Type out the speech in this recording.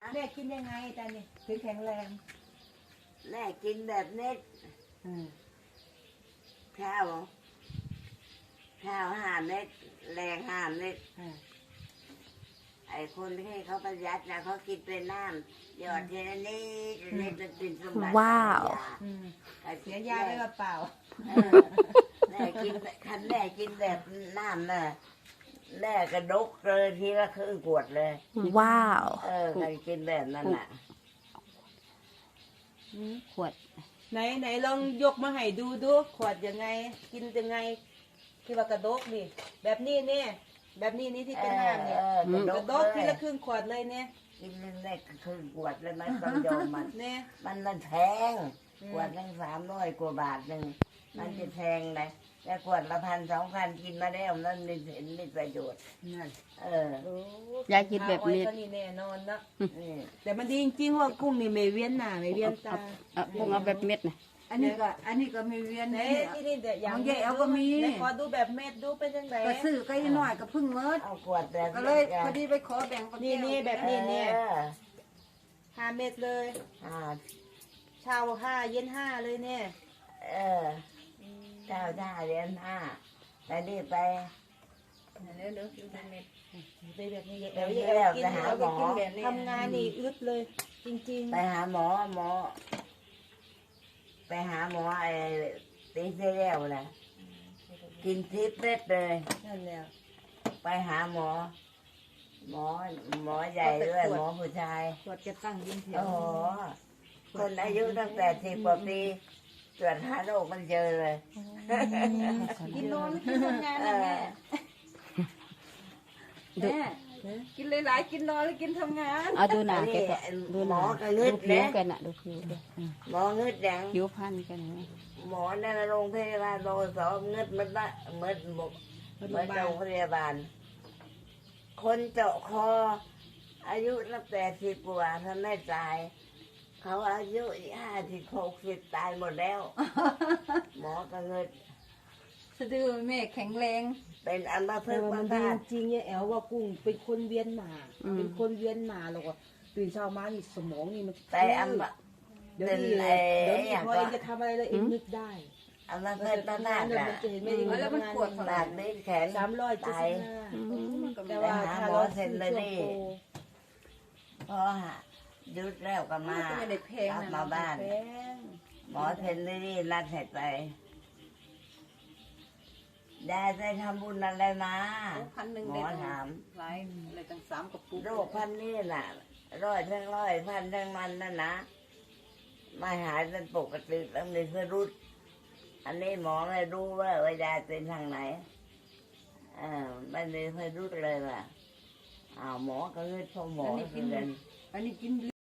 แม่กินยังไงแต่เนี่ยถึงแข็งแรงแม่กินแบบเน็ตข้าว5 เม็ดแรง5 เม็ดไอ้คนที่เขาประหยัดนะเขากินเป็นน้ำหยอดทีละนิดมันเป็นสมบัติว้าวเสียยาไปเปล่าแม่กินคันแม่กินแบบน้ำน่ะแม่กระดกเลยทีละครึ่งขวดเลยว้าวใครกินแบบนั้นน่ะขวดไหนลองยกมาให้ดูขวดยังไง กินยังไงที่ว่ากระดกนี่แบบนี้เนี่ยแบบนี้นี่ที่เป็นน้ำเนี่ยกระดกทีละครึ่งขวดเลยเนี่ยกินแม่ครึ่งขวดเลยมันต้องยอมมันเนี่ยมันแพงขวดนึง300 กว่าบาทหนึ่งมันจะแพงเลยแต่ขวดละ1,000-2,000กินมาแล้วนั่นมีประโยชน์นั่นยายกินแบบนี้ก็นี่แน่นอนนะนี่แต่มันดีจริงๆว่ากุ้งนี่ไม่เวียนหน้าไม่เวียนตาพวกเอาแบบเม็ดนะอันนี้ก็ไม่เวียนไหนนี่ที่นี่เดี๋ยวอย่างของยายแอ๋วก็มีไหนขอดูแบบเม็ดดูเป็นยังไงก็ซื้อก็ยังน้อยก็เพึ่งเมิดเอาขวดแบบก็เลยพอดีไปขอแบ่งกับนี่แบบนี้เนี่ยเออ 5 เม็ดเลยอ่าเช้า5 เย็น5เลยเนี่ยเออเจ้าเรียน5แต่นี่ไปเดี๋ยวดูเป็นเม็ดไปแบบนี้เดี๋ยวแล้วไปหาหมอทำงานนี่อึดเลย จริงไปหาหมอไปหาหมอไอ้ตีเสียแล้วนะกิน10 เม็ดเลยๆนั่นแหละไปหาหมอใหญ่ด้วยหมอผู้ชายขวดจะตั้งยินเถียโอ้วโหคนอายุตั้ง80 กว่าปีตรวจหาโรคมันเจอเลยกินนอนกินทำงานนะแม่แม่กินหลายๆกินนอนแล้วกินทำงานเอาดูหนาแกก็ดูหหมนาอก็ดูงึดผิวนะกันน่ะดูผิวด้วยหมองึดยังผิวพันกันนะหมอในโรงพยาบาลโรงสองึดมันละเหมือนโรงพยาบาล คนเจาะคอ อายุตั้ง80 กว่าท่านไม่ตาย เขาอายุ50-60 ตายหมดแล้ว หมอก็งึดสะดือแม่แข็งแรงเป็นอัมพแต่ฤกษ์ว่าอัมันมดีพาตจริงๆเนี่ยแอลว่ากุ้งเป็นคนเวียนหนาเป็นคนเวียนหนาแล้วก็ตื่นเช้ามานี่สมองนี่มันแต่อัมเดี๋ยวเป็นนี้ไอ้เดี๋ยวนี้อย่างพอก็เองจะทำอะไรแล้วเองนึกได้อัมพฤกษ์อัมพาตเดี๋ยวอะมันจะเห็นไม่ดีแล้วมันปวดปากนี้แขน 375แต่ไปว่าหาถ้าหมอเราเซ็ซื้นอเลช่ยวงนี่โปรพอหยุดแล้วก็มาก็ไม่ได้แพงกลับนะมาบ้านแพงหมอเซ็นเลยนี่นัดเสร็จไปได้ทำบุญอะไรมา 1,000 หมได้อถามหลายอะไรตั้ง3 กระปุกโรคพันนี่น่ะ100 1,000 1,000นั่นนะไม่หายเป็นปกติต้องมีพิรุษอันนี้หมอไม่รู้ว่าวิญญาณเป็นทางไหนไม่มีพิรุษเลยว่ะหมอก็เงืดพอหมอกินกันอันนี้กิน